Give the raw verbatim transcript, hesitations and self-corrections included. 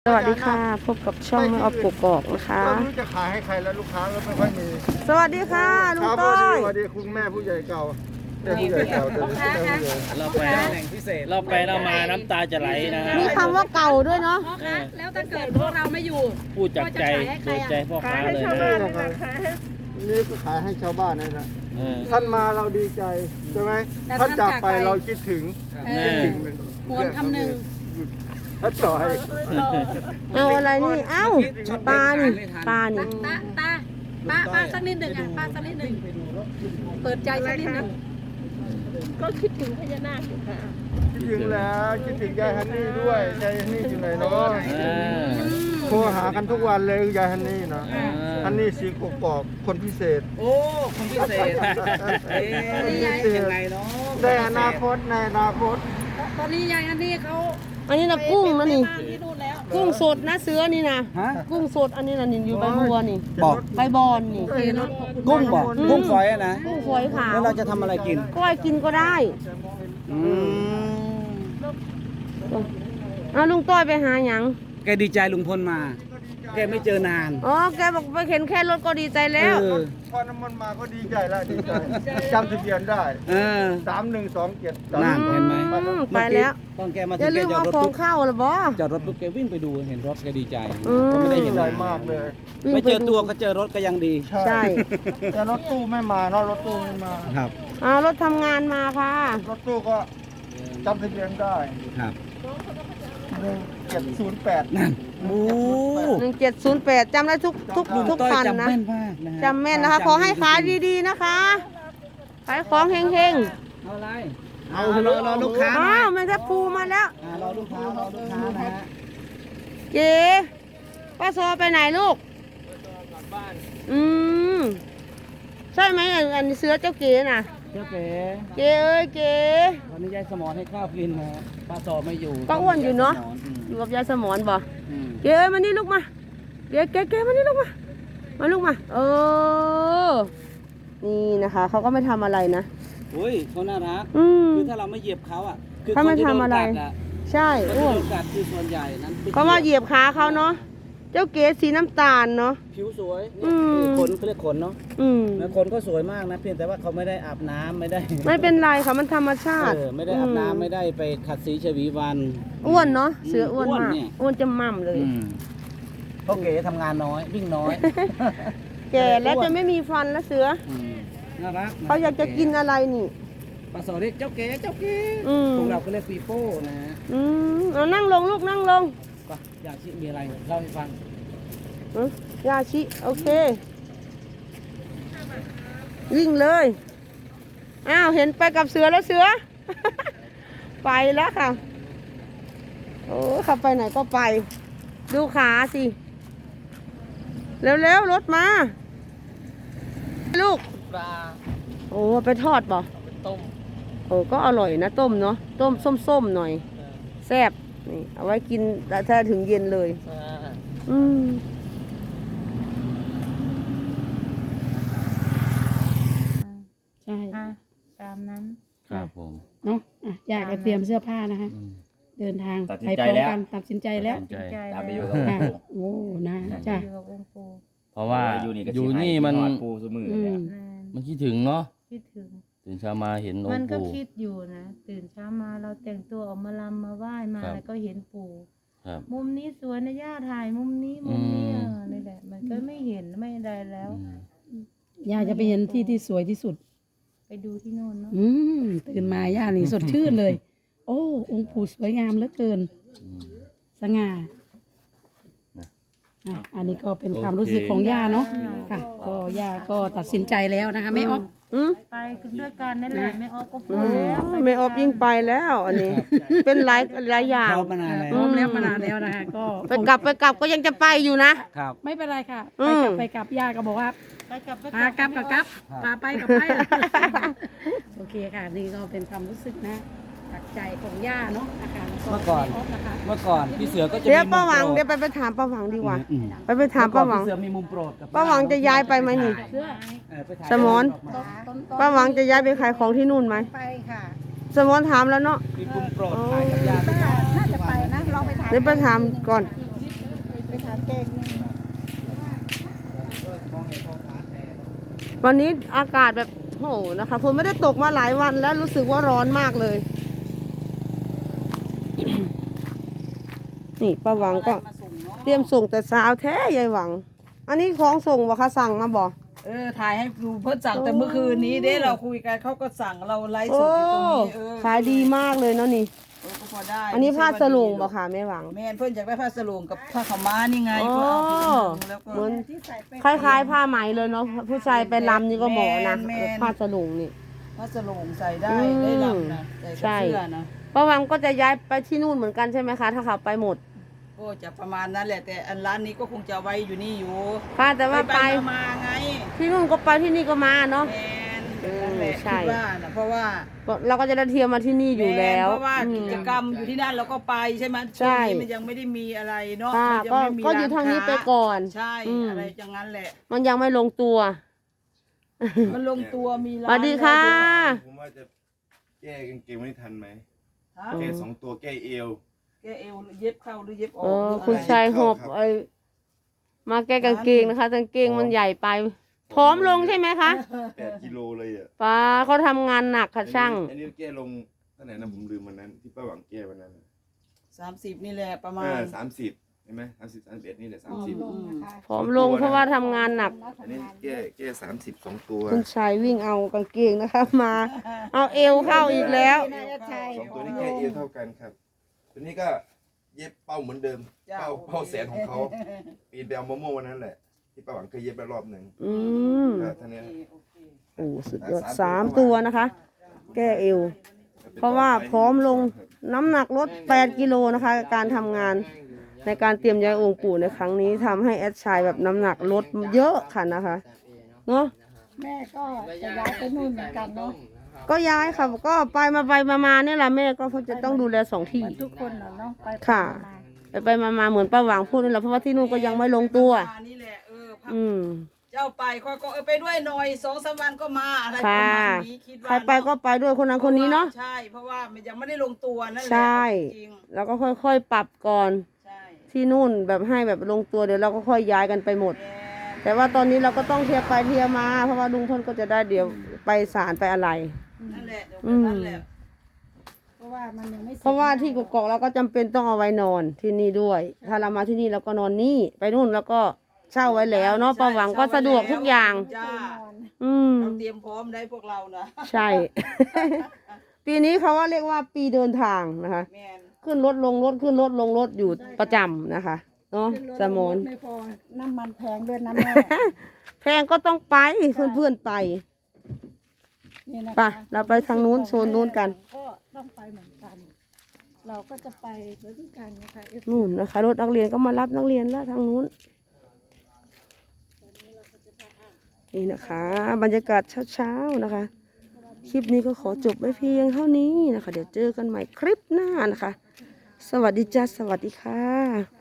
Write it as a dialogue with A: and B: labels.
A: สวัสดีค่ะพบกับช่องแม่ออฟกกอกนะคะ
B: ไม่รู้จะขายให้ใครแล้วลูกค้าก็ไม่ค่อยมี
A: สวัสดีค่ะลุง
B: ครับ
A: ต้อย
B: สวัสดีคุณแม่ผู้ใหญ่เก่าแม่ผู้ใหญ่เก่าแต่ไม่ใช่แม่ผู้ใหญ่
C: เราไปแหล่งพิเศษเราไปเรามาน้ำตาจะไหลนะฮะ
A: มีคำว่าเก่าด้วยเนาะ
D: พ่อคะแล้วถ้าเกิดพวกเราไม่อยู่
C: พูดจากใจโดยใจพ่อค้าเลยนะ
B: นี่ก็ขายให้ชาวบ้านนี่นะ
C: เออ
B: ท่านมาเราดีใจใช่ไหมท่านจากไปเราคิดถึง
D: เอ
C: แน่
D: อหวนคำหนึ่ง
B: ท่านต่อย
A: เอาอะไรนี่เอ้าปลานี่ปลานี่
D: ตาตาป้าป้าสักนิดหนึ่งอ่ะป้าสักนิดหนึ่งเปิดใจสักนิดหนึ่ง
E: ก็คิดถึงพญานาคอยู่ค่ะ
B: คิดถึงแล้วคิดถึงยายฮันนี่ด้วยยายฮันนี่อยู่ไหนเนาะ
C: เออ
B: โทรหากันทุกวันเลยยายฮันนี่นะ
C: เออ
B: ฮันนี่สีกกอกคนพิเศษ
C: โอ้คนพิเศษเอ๊ะยังไงเนาะ
B: ได้อนาคตในอนาคต
D: ตอนนี้ยายอันนี้เขา
A: อันนี้นะกุ้งนะนี่
D: บ้านที่นู่นแล้ว
A: กุ้งสดนะเสือนี่นะกุ้งสดอันนี้นะนี่อยู่ใบบัวนี่
C: บอก
A: ใบบอนนี่
C: กุ้งบอกกุ้งฝอยอะนะ
A: กุ้งฝอยขาว
C: แล้วเราจะทำอะไรกิน
A: ก้อยกินก็ได้
C: อืม
A: เอาลุงต้อยไปหาหยัง
F: แกดีใจลุงพลมา แกไม่เจอนาน
A: อ๋อแกบอกไปเห็นแค่รถก็ดีใจแล้ว
F: เออ
B: พอน้ำมันมาก็ดีใจแล้วดีใจจำทะเบียนได้
F: เออ
B: สามหนึ่งสองเจ็ด
F: นั่นเห็นไหม
A: อืมไปแล้ว
F: ตอนแกมา
A: อ
F: ถึ
A: ย่าง
F: แก
A: ลืม
F: จอ
A: เอา
F: ดรถ
A: ของ
F: ปุ๊บ
A: เข้าหรือบ่
F: จอดรถปุ๊บแกวิ่งไปดูเห็นรถแกดีใจ
A: อืม
F: ก็ไม่ได้
B: ดี
F: เห็น
B: ใจ
F: อะไร
B: มากเลย
A: วิ่ง
F: ไม่เจอ
A: ดู
F: ตัวก็เจอรถก็ยังดี
A: ใช่
B: แต่รถตู้ไม่มาเนาะรถตู้ไม่มา
F: ครับ
A: อ่ารถทำงานมาค่ะ
B: รถตู้ก็จำทะเบียนได้
F: ครับ
B: หนึ่งเจ็ดศูนย์แปด
F: นั่นโอ้
A: หนึ่งเจ็ดศูนย์แปดจำได้ทุกทุก
F: ลุง
A: ทุก
F: ต้อย
A: คัน
F: จำ
A: นะ
F: แม่นมากนะฮะ
A: จำแม่นนะคะ ขอให้ขายดีๆนะคะ ขายของเฮง
F: เอาอะไรเอารอรอลูกค้า
A: ๆ
F: หน่
A: อ้า
F: อ
A: วย แมงทับพลูมาแล้ว
F: อ่ารอลูกค้ารอลูกค้านะฮะ
A: เก๋ป้าโซไปไหนลูกอืมใช่ไหมอันอันเสือเจ้าเก๋น่ะ
F: เจ้าเก๋
A: เก๋เอ้ยเก๋
F: วันนี้ยายสมอนให้ข้าวกินนะฮะป้าสอไม่อยู่
A: ป้าอ้วนอยู่เนอะ
F: อืม
A: อยู่กับยายสมอนบ่
F: อืม
A: เก๋มานี่ลูกมาเก๋เก๋เก๋มานี่ลูกมามาลูกมาเออนี่นะคะเขาก็ไม่ทำอะไรนะ
F: โอ้ยเขาน่ารัก
A: อืม
F: คือถ้าเราไม่เหยียบเขาอ่ะคือ
A: เขาไม่
F: คนที่โดน
A: ทำอะไร
F: กัดอะ
A: ใช่
F: คน
A: อ้
F: ที่
A: วน
F: โดนกัดคือส่วนใหญ่นั้น
A: เขามาเหยียบขาเขาเนาะเจ้าเก๋สีน้ำตาลเนาะ
F: ผิวสวย
A: อืม
F: ขนเขาเรียกขนเนาะ
A: อืม
F: แล้วขนก็สวยมากนะเพียงแต่ว่าเขาไม่ได้อาบน้ำไม่ได้
A: ไม่เป็นไรค่ะมันธรรมชาติ
F: เออไม่ได้อาบน้ำไม่ได้ไปขัดสีชวีวัน
A: อ้วนเนาะเสืออ้วน
F: อ้วน
A: มาก
F: เนี่ย
A: อ้วนจะมั่มเลย
F: อืมเพราะเก๋ทำงานน้อยวิ่งน้อย
A: แก่แล้วจะไม่มีฟันแล้วเสือ
F: อืมน่ารักน
A: เขาอยากจะกินอะไรนี่
F: ปลาสอเรียกเจ้าเก๋เจ้าเก๋
A: อืม
F: พวกเราก็เรียกปีโป้นะฮะ
A: อืมเอานั่งลงลูกนั่งลง
F: ก็อยากชิมีอะไรเล่าให้ฟัง
A: อืมยาชิโอเค วิ่งเลยอ้าวเห็นไปกับเสือแล้วเสือ ไปแล้วค่ะโอ้ขับไปไหนก็ไป ดูขาสิเร็วๆรถมาลูก
C: ปลา
A: โอ้ไปทอดป่ะ
C: ต้ม
A: โอ้ก็อร่อยนะต้มเนาะต้มส้มๆหน่อยแซ่บนี่เอาไว้กินถ้าถึงเย็นเลย อืม
E: ใช่ตามนั้น
C: ครับผม
E: เนาะอ่ะอยากจะเตรียมเสื้อผ้านะคะ
C: อืม
E: เดินทาง
C: ตัดสิน
E: ไป
C: ใจ
E: พร้อม
C: แล้ว
E: กันตัดสินใจแล้ว
C: ตัดสินใจ
G: ตามไปอยู่
E: ค่ะโอ้นะจ้ะ
G: อยู่กับองค์ปู่
C: เพราะว่า
G: อยู่นี่ก็
C: อยู่
G: สิให้
C: นี่มัน
G: ฮอดปูสมือ
E: อื
G: เลย
E: ม
G: อะ
C: มันคิดถึงเนาะ
G: คิดถึง
C: ตื่นเช้ามาเห็นอง
G: มัน
C: ค์
G: ก็
C: ปู่
G: คิดอยู่นะ ตื่นเช้ามาเราแต่งตัวออกมาลำมาไหว้มา
C: ครับ
G: แล้วก็เห็นปู่
C: ครับ
G: มุมนี้สวยนะย่าถ่ายมุมนี้มุมนี้
C: อืม
G: เออนี่แหละ มันก็ไม่เห็นไม่ได้แล้ว
C: อืม
E: ย่าจะไปเห็นที่ที่สวยที่สุด
G: ไปดูที่โน่นเนาะ
E: อืมตื่นมาย่านี่สดชื่นเลย โอ้องค์ปู่สวยงามเหลือเกิน
C: อืม
E: สง่า
C: นะ
E: อ่ะอันนี้ก็เป็น
C: โอเค
E: ความรู้สึกของย่าเนาะค่ะ ก็ย่าก็ตัดสินใจแล้วนะคะไม่ออก
A: อืม
G: ไปด้วยกันนั่นแหละไม่ออกก็พู
A: อื
G: ด
A: ม
G: แล้ว
A: ไม่ออบยิ่งไปแล้วอันนี้ เป็นหลายหลายอย่าง
F: พร้อมมานานแล้ว
E: พร้อมแล้วมานานแล้วนะคะก็
A: ไปกลับไปกลับก็ยังจะไปอยู่นะ
F: ครับ
E: ไม่เป็นไรค่ะ
A: อื
E: ไป
A: ม
E: กลับไปกลับย่าก็บอกว่า
G: ไปกลับไป
E: พากลับกับกลับ
F: ครับ
E: พาไปกับไป โอเคค่ะนี่ก็เป็นความรู้สึกนะจากใจของย่าเนาะนะคะ
F: เมื่อก่อน
E: แฟนะคะ
F: เมื่อก่อนพี่เสือก็จะ
A: เดี๋ยว
F: มีมุม
A: ป้าหวัง
F: โปร
A: เดี๋ยวไปไปถามป้าหวังดีกว่า
F: อืม
A: ไปไปถามป้าหวัง
F: เมื่อก่อนพี่เสือมีมุมโปรดกับ
A: ป้าหวังจะย้ายไปไหมนี่
E: เสื้อ
F: เออไปถ่าย
A: สมร
F: ดอกไ
E: ต้นต้น
A: ป้าหวังจะย้ายไปขายของที่นู่นไหม
D: ไปค่ะ
A: สมอนถามแล้วเนาะ
F: มีมุมโปรดถ่ายกับยา
D: น่าจะไปนะลองไปถ่าย
A: เดี๋ยวไปถามก่อน
E: คไปถามแกงนึง
A: วันนี้อากาศแบบโหนะคะฝนไม่ได้ตกมาหลายวันแล้วรู้สึกว่าร้อนมากเลย นี่ป้าหวังก็เตรียมส่งแต่เช้าแท้ยายหวัง อันนี้ของส่งบ่คะสั่งมาบ่
C: เออถ่ายให้ดูเพิ่นสั่งแต่เมื่อคืนนี้เด้เราคุยกันเขาก็สั่งเราไลฟ์ส
A: โอ้
C: ดอยู่ตรงนี้เออ
A: ขายดีมากเลยเนาะนี่
C: เออก็พอได้
A: อันนี้ผ้าสลุงบ่คะแม่หวัง
C: แม่นเพิ่นอยากได้ผ้าสลุงกับผ้าขาวม้านี่ไง
A: อ๋อ
C: ก็เอาผืนหนึ่งแล้วก็
A: เหมือนคล้ายๆผ้าไหมเลยเนาะผู้ชายไปลำนี่ก็เหมาะนะ
C: แม่นๆ
A: ผ้าสลุงนี่
C: ผ้าสลุงใส่ได้
A: อืม
C: ได้ลำนะใส่กับ
A: ใช่
C: เสื้อนะ
A: ป้าหวังก็จะย้ายไปที่นู่นเหมือนกันใช่ไหมคะ ถ้าเขาไปหมด
C: ก็จะประมาณนั้นแหละแต่อันร้านนี้ก็คงจะเอาไว้อยู่นี่อยู่
A: ค่ะแต่ว่าไป
C: ๆมาๆไง
A: ที่นู่นก็ไปที่นี่ก็มาเนาะ
C: แมนนั่นแหละ
A: ใช่
C: คิดว่านะเพราะว่า
A: เราก็จะได้เที่ยวมาที่นี่อยู่แล้ว
C: เพราะว่า
A: อื
C: กิ
A: ม
C: จกรรมอยู่ที่นั่นเราก็ไปใช่ไหม
A: ใช่
C: ช่วงนี้มันยังไม่ได้มีอะไรเนาะ
A: ค่ะ
C: มันยัง
A: ก็
C: ไม่มี
A: ก็อยู่ทางนี้
C: ร้
A: ไปก่อน
C: ใช่
A: อืม
C: อะไรอย่างนั้นแหละ
A: มันยังไม่ลงตัว
C: มันลงตัวมี
A: ส
C: ร้าน
A: วัสดีค่ะ
B: ผมว่าจะแก้กางเกงไม่ทันไหม
C: ฮะ
B: แก้สองตัวแก้เอว
C: แกเอวเย็บเข้าหรือเย็บออ
A: เอก อ
C: หรือ
A: คุณ
C: อะไร
A: ชายหอบ
B: ครับ
A: ไอมาแก้กางเกงนะคะกางเกงมันใหญ่ไปพร้อมลงใช่ไหมคะ
B: แปดกิโลเลยอ่ะ
A: ป้าเขาทำงานหนักค่ะช่าง
B: อันนี้แก้ลงตั้งไหนนะผมลืมวันนั้นที่ป้าหวังแก้วันนั้น
C: สามสิบนี่แหละประ
B: เอ
C: มาณ
B: อสามสิบใช่ไหมสามสิบสามสิบเอ็ดนี่แหละสามสิบ
E: ลงนะคะ
A: พร้อมลงเพราะว่าทำงานหนัก
B: อันนี้แก้แก้สามสิบสองตัว
A: คุณชายวิ่งเอากางเกงนะคะ มา เอาเอวเข้าอีกแล้ว
E: น่าจะใช่
B: สองตัวนี้แก้เอวเท่ากันครับตัวนี้ก็เย็บเป้าเหมือนเดิม
C: จ้ะ
B: เป้าเป้าแสนของเขาปีนไปเอามะม่วงวันนั้นแหละ ที่ป้าหวังเคยเย็บไปรอบหนึ่ง
A: อืม
B: ก็ท่านนี้
A: โอ้สุดยอดสามตัวนะคะ แก้เอว เพราะว่าพร้อมลงน้ำหนักลดแปดกิโลนะคะ การทำงานในการเตรียมย้ายองค์ปู่ในครั้งนี้ทำให้แอดชายแบบน้ำหนักลดเยอะค่ะนะคะเนาะ
E: แม่ก็จะย้ายไปนู่นเหมือนกันเนาะ
A: ก็ย้ายค่ะก็ไปมาไปมามาเนี่ยแหละแม่ก็จะต้องดูแลสองที่
E: เหมือนทุกคนน่ะเนาะไป
A: ค่ะ ไปไปมามาเหมือนป้าหวังพูดนี่แหละเพราะว่าที่นู่นก็ยังไม่ลงตัว
C: นี่แหละเออพัก
A: อืม
C: เจ้าไปค่อยก็เออไปด้วยหน่อยสองสามวันก็มาอะไรประ
A: ค่ะ
C: มาณนี้คิดว่า
A: ใครไปก็ไปด้วยคนนั้นคนนี้เนาะ
C: ใช่เพราะว่ามันยังไม่ได้ลงตัวนั่นแหละ
A: ใช่
C: จริง
A: แล้วก็ค่อยๆปรับก่อน
C: ๆใช่
A: ที่นู่นแบบให้แบบลงตัวเดี๋ยวเราก็ค่อยย้ายกันไปหมด
C: แม่
A: แต่ว่าตอนนี้เราก็ต้องเทียบไปเทียบมา เพราะว่าลุงพลก็จะได้เดี๋ยวไปศาลไปอะไร
C: นั่นแหละเดี๋ยว
A: อืม
C: นั่นแหละ
E: เพราะว่ามันยังไม่สจ
A: เพราะว่าที่กกอกเราก็จำเป็นต้องเอาไว้นอนที่นี่ด้วย ถ้าเรามาที่นี่เราก็นอนนี่ไปนู่นแล้วก็เช่าไว้แล้วเนาะประหวังก็สะดวกทุกอย่าง
C: จ้า
A: อืม
C: เราเตรียมพร้อมได้พวกเรานะ
A: ใช่ ปีนี้เขาว่าเรียกว่าปีเดินทางนะคะ
C: แม่น
A: ขึ้นรถลงรถขึ้นรถลงรถอยู่ประจำนะคะเนาะ
E: ขึ้นรถ
A: สมอน
E: ไม่พอน้ำมันแพงด้วยนะแม่
A: แพงก็ต้องไปเพื่อนๆไป
E: นี่นะ
A: ไป
E: คะ
A: เราไปทางนู้นโซนนู้นกัน
E: ก็ต้องไปเหมือนกัน เราก็จะไปด้วยกันนะคะ
A: นู่นนะคะรถนักเรียนก็มารับนักเรียนแล้วทางนู้นนี่นะคะ บรรยากาศเช้าๆนะคะ คลิปนี้ก็ขอจบไว้เพียงเท่านี้นะคะ เดี๋ยวเจอกันใหม่คลิปหน้านะคะ สวัสดีจ้าสวัสดีค่ะ